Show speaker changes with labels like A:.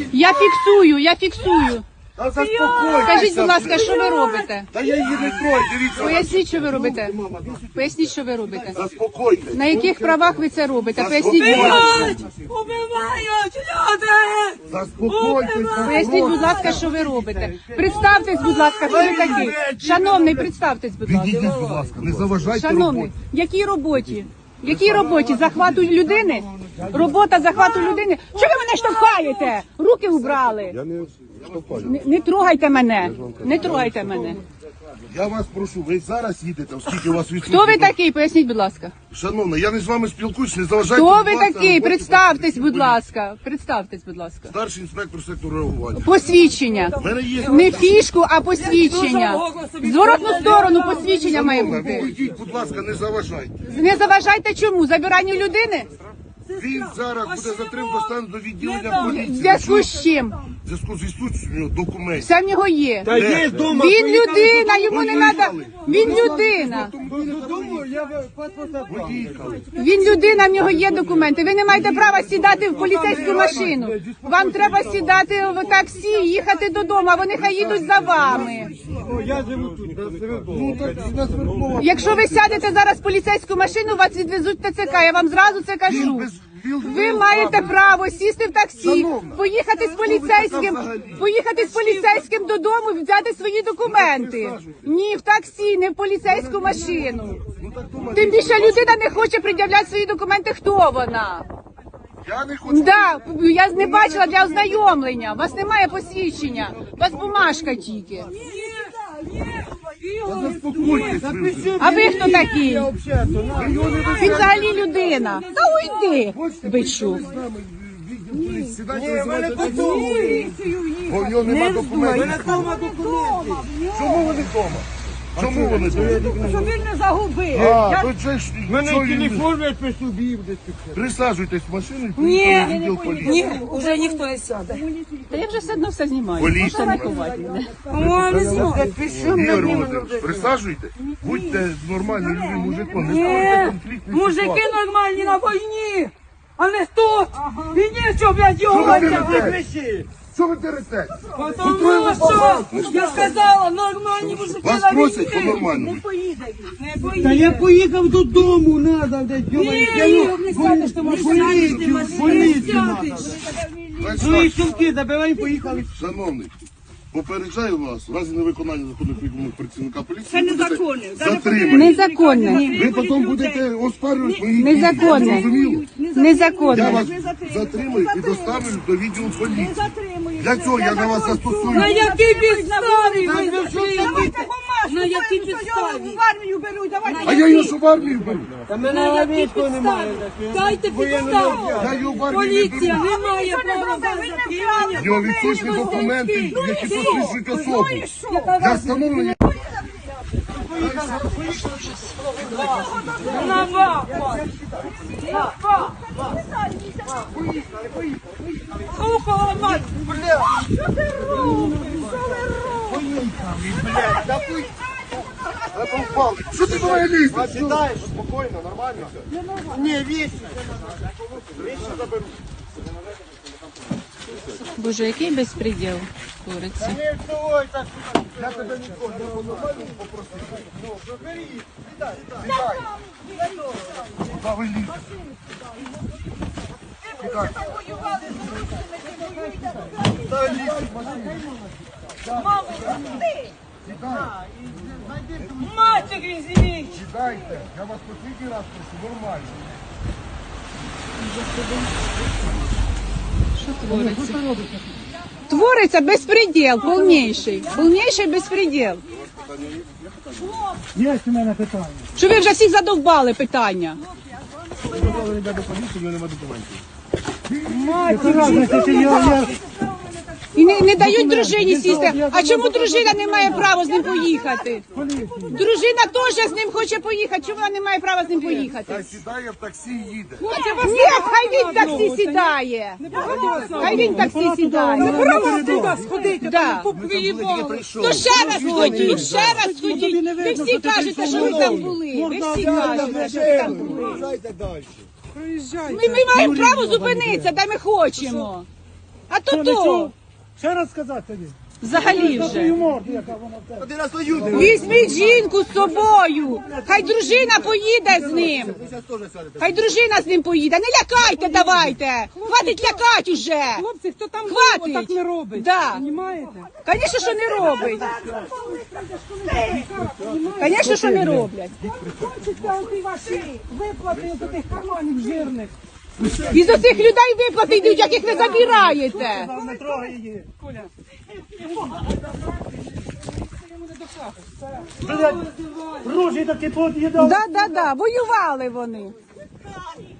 A: Я фіксую.
B: Та заспокойтеся.
A: Скажіть, будь ласка, що ви робите?
B: Та я її не трою, дивіться.
A: Поясніть, що ви робите. Поясніть, що ви робите.
B: Заспокойтесь.
A: На яких правах ви це робите? Поясніть, будь ласка.
C: Убивають люди!
B: Заспокойтесь.
A: Поясніть, будь ласка, що ви робите. Представтесь, будь ласка, хто ви такий. Шановний, представтесь, будь ласка.
B: Відійдіть, будь ласка, не заважайте
A: Шановний,
B: роботі.
A: якій роботі? Якій роботі? Захвату людини? Робота захвату людини? Що ви мене штовхаєте? Руки убрали.
B: Я не штовхаю.
A: Не трогайте мене. Не трогайте мене.
B: Я вас прошу, ви зараз їдете, оскільки у вас відсутні.
A: Хто ви такий? Поясніть, будь ласка.
B: Шановна, я не з вами спілкуюсь, не заважайте.
A: Хто
B: будь
A: ви
B: ласка,
A: такий?
B: роботі
A: Представтесь, будь ласка. Представтесь, будь ласка.
B: Старший інспектор сектору реагування.
A: Посвідчення.
B: У мене є...
A: Не фішку, а посвідчення. Зворотну сторону посвідчення має
B: Шановна,
A: бути.
B: вийдіть, будь ласка, не заважайте.
A: Не заважайте чому? Забиранню людини?
B: Він зараз буде затримано, достане до відділення
A: В
B: поліції.
A: зв'язку з чим?
B: В зв'язку з відсутністю документів.
A: Все в нього є.
D: Та є дома.
A: Він людина, йому не треба. Він людина.
D: Додому я просто
B: Поїхали.
A: Він людина, в нього є документи. Ви не маєте права сідати в поліцейську машину. Вам треба сідати в таксі, їхати додому, а вони хай їдуть за вами.
D: я живу тут, на Свердлова.
A: Якщо ви сядете зараз в поліцейську машину, вас відвезуть в ТЦК. Я вам зразу це кажу. Ви маєте право сісти в таксі, поїхати з поліцейським додому, взяти свої документи. Ні, в таксі, не в поліцейську машину. Тим більше людина не хоче пред'являти свої документи. Хто вона?
B: Я не хочу.
A: Да, я не бачила для ознайомлення. У вас немає посвідчення. У вас бумажка тільки.
B: Заспокойтесь. ви.
A: А ви хто такий? Він взагалі людина. Та уйди, бичу.
B: Сідайте, визивайте поліцію. Бо в нього нема документів. Чому вони вдома? Чому вони вдома?
C: Щоб він не загубив.
B: А, то це ж...
D: Мене
B: що він-
D: телефон я при собі десь.
B: Присаджуйтесь в машину і поїхали в відділ поліції.
C: Ні, вже ніхто не сяде.
A: Та я вже все одно все знімаю.
B: Поліція.
A: Можете не ховати мене.
C: О, не знаю.
B: Ігор Володимирович, присаджуйте. Будьте нормальним людям, мужиком, не ставайте конфліктні
C: Мужики
B: ситуації.
C: нормальні на війні, а не тут. І нічого, блядь, його
B: Що ви
C: витягнути.
B: дерете? Що ви дерете?
C: Тому що, я сказала, нормальні мужики
B: Вас
C: на
B: просять
C: війні.
B: по-нормальному.
C: Не
D: Та я
C: поїде.
D: поїхав додому, надо, де
C: Ні, не сядеш, ти можеш сядеш, ти можеш сядеш.
D: свої сумки забирай, поїхали.
B: Шановний, попереджаю вас, в разі невиконання законних вимог працівника поліції,
C: Це
B: ви будете
C: незаконне.
B: затримані.
A: Незаконне.
B: Ви потім будете оспарювати мої дії.
A: Незаконне.
B: Зрозуміло? Я
A: Незаконне.
B: вас затримую і доставлю до відділу поліції. Для цього я на вас застосую.
C: На якій підставі ви затримуєте? На якій підставі?
E: В армію беруть, давайте.
B: А я його що в армію беру?
D: Та мене
C: На
D: на
C: якій
D: війську немає.
C: підставі? Дайте підставу.
B: Я його в армію не
C: Поліція
B: беру.
C: не має права за затримання.
B: В нього відсутні документи, які посвідчують особу. Для встановлення.
C: На вас. Ухо ламать.
B: Що ти до мене лізеш?
D: Сідаєш, спокійно, нормально. Ні, вісь.
A: Боже, який безпреділ твориться.
D: Не вставай так.
B: Я тебе ніколи не по-нормальному попросив. Ну, забери. Сідай. Куди ви лізете? Сідай. Сідай, лізь в машину. Сідай.
C: Матері звіть.
B: Сідайте. Я вас послідній раз прошу, нормально.
A: Твориться безпреділ, повніший. Повніший безпреділ.
D: Є у мене питання.
A: Що ви вже всіх задовбали питання?
B: Дозволені до поліції, в нього немає документів.
A: І не дають дружині сісти. А чому дружина не має права з ним поїхати? Дружина теж з ним хоче поїхати. Чому вона не має права з ним поїхати?
B: Та сідає в таксі і їде.
A: Ні, хай він в таксі сідає. Хай він в таксі сідає. Да. То ще раз ходіть, ще раз ходіть. Ви всі кажете, що ви там були. Ви всі кажете, що ви там були. Ми маємо право зупинитися, де ми хочемо. А то
D: Що, не
A: то.
D: чув? Ще раз сказати тоді.
A: Взагалі
D: Та
A: вже.
D: твою морду, яка вона в тебе.
B: Один раз воює.
A: Візьміть жінку з собою. Хай дружина поїде з ним. Хай дружина з ним поїде. Не лякайте, давайте. Хватить лякати уже.
C: Хлопці, хто там
A: Хватить.
C: так не робить?
A: Да.
C: Понімаєте?
A: Звісно, що не робить. Звісно, що не роблять.
C: Хочете оті ваші виплати з тих карманів жирних?
A: І з оцих людей виплати йдуть, яких ви забираєте.
D: Не трогай її.
C: Коля.
D: Блядь, ружі такі тут їдали.
A: Да, воювали вони.